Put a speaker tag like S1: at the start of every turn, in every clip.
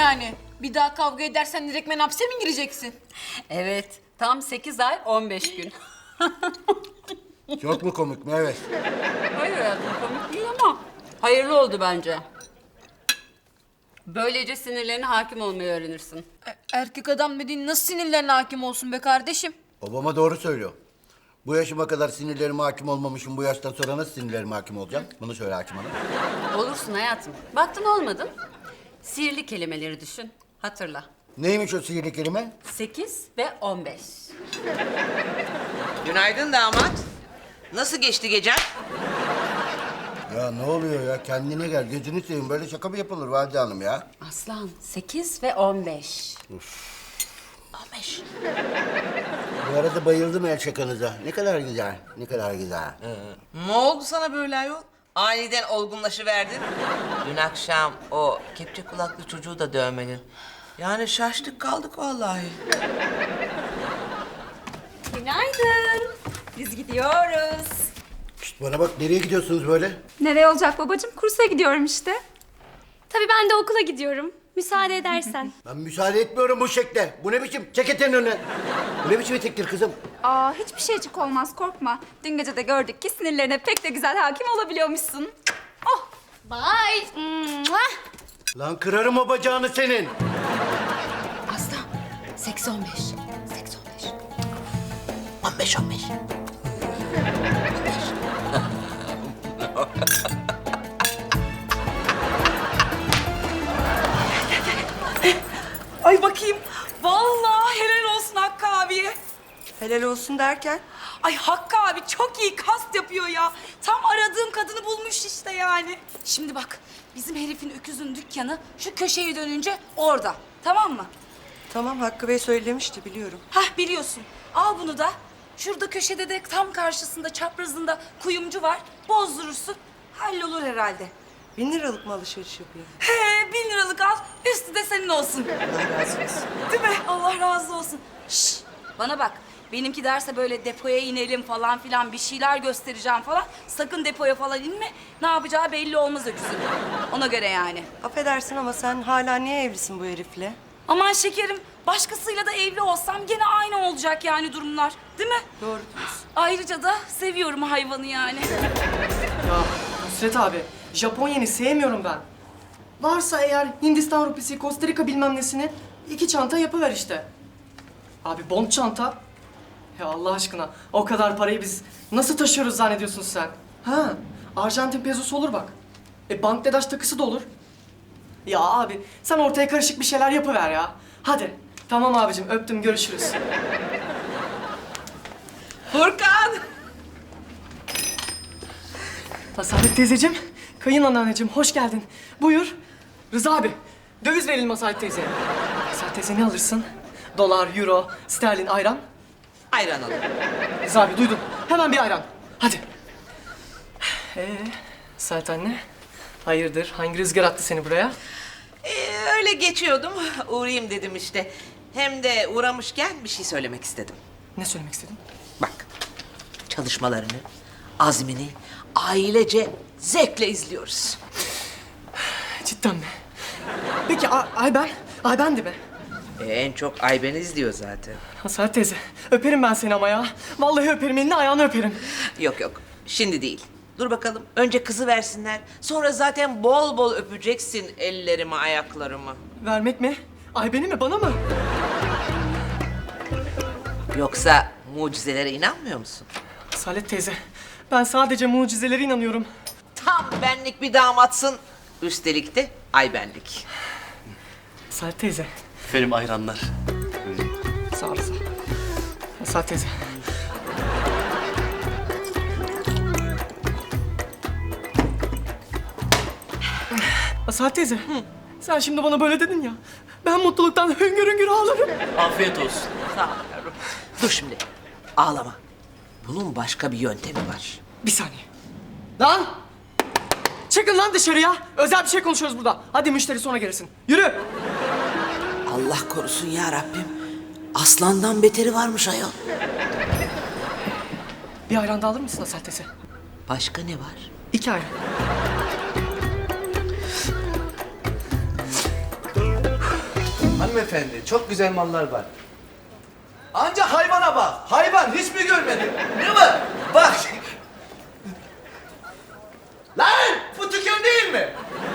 S1: yani? Bir daha kavga edersen direktmen hapse mi gireceksin?
S2: Evet, tam 8 ay 15 gün.
S3: Çok mu komik mi? Evet.
S2: Hayır hayatım, komik değil ama hayırlı oldu bence. Böylece sinirlerine hakim olmayı öğrenirsin.
S1: Erkek adam dediğin nasıl sinirlerine hakim olsun be kardeşim?
S3: Babama doğru söylüyor. Bu yaşıma kadar sinirlerime hakim olmamışım. Bu yaştan sonra nasıl sinirlerime hakim olacağım? Bunu söyle hakim hanım.
S2: Olursun hayatım. Baktın olmadın. Sihirli kelimeleri düşün. Hatırla.
S3: Neymiş o sihirli kelime?
S2: 8 ve 15.
S4: Günaydın damat. Nasıl geçti gecen?
S3: Ya ne oluyor ya? Kendine gel. Gözünü seveyim. Böyle şaka mı yapılır Valide Hanım ya?
S2: Aslan 8 ve 15.
S4: 15.
S3: Bu arada bayıldım el şakanıza. Ne kadar güzel. Ne kadar güzel.
S4: Ne oldu sana böyle ayol? Aniden olgunlaşıverdin. Dün akşam o kepçe kulaklı çocuğu da dövmedin. Yani şaştık kaldık vallahi.
S5: Günaydın. Biz gidiyoruz.
S3: Şişt, bana bak, nereye gidiyorsunuz böyle?
S5: Nereye olacak babacığım? Kursa gidiyorum işte. Tabii ben de okula gidiyorum. Müsaade edersen.
S3: Ben müsaade etmiyorum bu şekle. Bu ne biçim? Çek eteğini önüne. Bu ne biçim etektir kızım?
S5: Aa, hiçbir şeycik olmaz, korkma. Dün gece de gördük ki sinirlerine pek de güzel hakim olabiliyormuşsun. Oh. Bye.
S3: Lan kırarım o bacağını senin.
S2: Aslan 8 15. 8 15.
S4: 15 15.
S6: Ay bakayım. Vallahi helal olsun Hakkı abiye.
S7: Helal olsun derken?
S6: Ay Hakkı abi çok iyi kast yapıyor ya. Tam aradığım kadını bulmuş işte yani. Şimdi bak bizim herifin öküzün dükkanı şu köşeye dönünce orada. Tamam mı?
S7: Tamam, Hakkı Bey söylemişti, biliyorum.
S6: Hah biliyorsun. Al bunu da. Şurada köşede de tam karşısında çaprazında kuyumcu var. Bozdurursun. Hallolur herhalde.
S7: 1000 liralık mı alışveriş yapıyor?
S6: He 1000 liralık al. Üstü de senin olsun.
S7: Allah razı olsun.
S6: Değil mi? Allah razı olsun. Şş, bana bak. Benimki derse böyle depoya inelim falan filan bir şeyler göstereceğim falan. Sakın depoya falan inme. Ne yapacağı belli olmaz öküzün. Ona göre yani.
S7: Affedersin ama sen hala niye evlisin bu herifle?
S6: Aman şekerim, başkasıyla da evli olsam gene aynı olacak yani durumlar. Değil mi?
S7: Doğru diyorsun.
S6: Ayrıca da seviyorum hayvanı yani.
S8: Ya Nusret abi, Japonya'yı sevmiyorum ben. Varsa eğer Hindistan rupisi, Costa Rica bilmem nesini 2 çanta yapıver işte. Abi bond çanta. Ya Allah aşkına o kadar parayı biz nasıl taşıyoruz zannediyorsun sen? Ha, Arjantin pezosu olur bak. Bangladeş takısı da olur. Ya abi sen ortaya karışık bir şeyler yapıver ya. Hadi. Tamam abicim, öptüm, görüşürüz.
S4: Furkan!
S8: Asalet teyzeciğim, kayınanneanneciğim hoş geldin. Buyur. Rıza abi, döviz verelim Asalet teyzeye. Asalet teyze ne alırsın? Dolar, euro, sterlin, ayran.
S4: Ayran alın.
S8: Rıza abi duydum. Hemen bir ayran. Hadi. Asalet anne, hayırdır? Hangi rüzgar attı seni buraya?
S4: Öyle geçiyordum. Uğrayayım dedim işte. Hem de uğramışken bir şey söylemek istedim.
S8: Ne söylemek istedin?
S4: Bak, çalışmalarını, azmini ailece zevkle izliyoruz.
S8: Cidden mi? Peki Ayben? Ayben de mi?
S4: En çok Ayben izliyor zaten.
S8: Asalet teyze, öperim ben seni ama ya. Vallahi öperim, elini ayağını öperim.
S4: Yok yok, şimdi değil. Dur bakalım, önce kızı versinler. Sonra zaten bol bol öpeceksin ellerimi, ayaklarımı.
S8: Vermek mi? Ayben'i mi, bana mı?
S4: Yoksa mucizelere inanmıyor musun?
S8: Asalet teyze, ben sadece mucizelere inanıyorum.
S4: Tam benlik bir damatsın. Üstelik de Aybenlik.
S8: Asalet teyze,
S9: Efendim ayranlar.
S8: sağ olasın. Asalet teyze. Asalet teyze, sen şimdi bana böyle dedin ya. Ben mutluluktan hüngür hüngür ağlarım.
S9: Afiyet olsun.
S4: Sağ ol yavrum. Dur şimdi, ağlama. Bunun başka bir yöntemi var.
S8: Bir saniye. Lan! Çıkın lan dışarıya. Özel bir şey konuşuyoruz burada. Hadi müşteri sonra gelirsin. Yürü.
S4: Allah korusun ya Rabbim. Aslandan beteri varmış ayol.
S8: Bir ayran da alır mısın Asalet teyze?
S4: Başka ne var?
S8: 2 ayran.
S10: hanımefendi. Çok güzel mallar var. Ancak hayvana bak. Hayvan hiç mi görmedin? Ne var? Bak. Lan bu dükkan değil mi?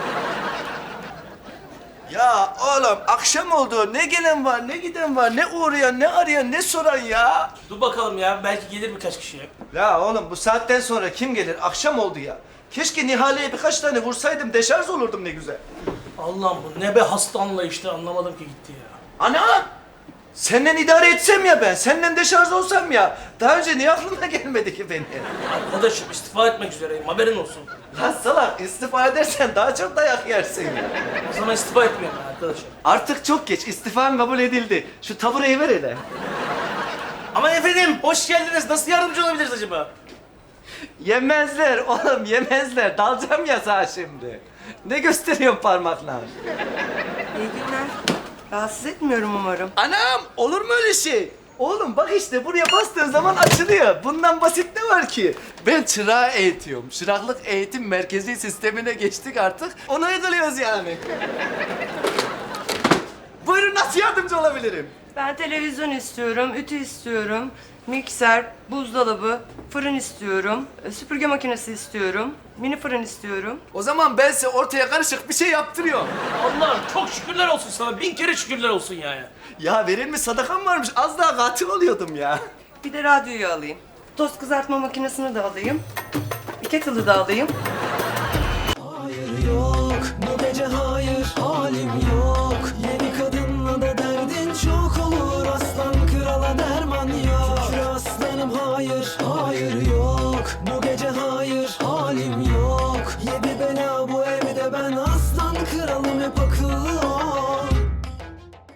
S10: Ya oğlum akşam oldu. Ne gelen var, ne giden var, ne uğrayan, ne arayan, ne soran ya.
S9: Dur bakalım ya, belki gelir birkaç kişi.
S10: Ya oğlum bu saatten sonra kim gelir? Akşam oldu ya. Keşke Nihale'ye birkaç tane vursaydım, deşarj olurdum ne güzel.
S9: Allah'ım bu ne be hasta anlayışlı, anlamadım ki gitti ya.
S10: Ana! Senden idare etsem ya ben, senden deşarj olsam ya. Daha önce niye aklına gelmedi ki benim?
S9: Arkadaşım istifa etmek üzereyim, haberin olsun.
S10: Lan salak, istifa edersen daha çok dayak yersin ya.
S9: O zaman istifa etmiyorum ben arkadaşım.
S10: Artık çok geç, istifan kabul edildi. Şu tabureyi ver hele.
S9: Ama efendim, hoş geldiniz. Nasıl yardımcı olabiliriz acaba?
S10: Yemezler oğlum, yemezler. Dalacağım ya sana şimdi. Ne gösteriyorsun parmakla?
S7: İyi günler. Rahatsız etmiyorum umarım.
S10: Anam, olur mu öyle şey? Oğlum bak işte buraya bastığın zaman açılıyor. Bundan basit ne var ki? Ben çırağı eğitiyorum. Çıraklık eğitim merkezi sistemine geçtik artık. Onu uyguluyoruz yani. Buyurun nasıl yardımcı olabilirim?
S7: Ben televizyon istiyorum, ütü istiyorum, mikser, buzdolabı, fırın istiyorum, süpürge makinesi istiyorum, mini fırın istiyorum.
S10: O zaman ben size ortaya karışık bir şey yaptırıyorum.
S9: Allah'ım çok şükürler olsun sana. 1000 kere şükürler olsun yani.
S10: Ya verilmiş sadakam varmış. Az daha katil oluyordum ya.
S7: Bir de radyoyu alayım. Tost kızartma makinesini de alayım. Kettle'ı da alayım.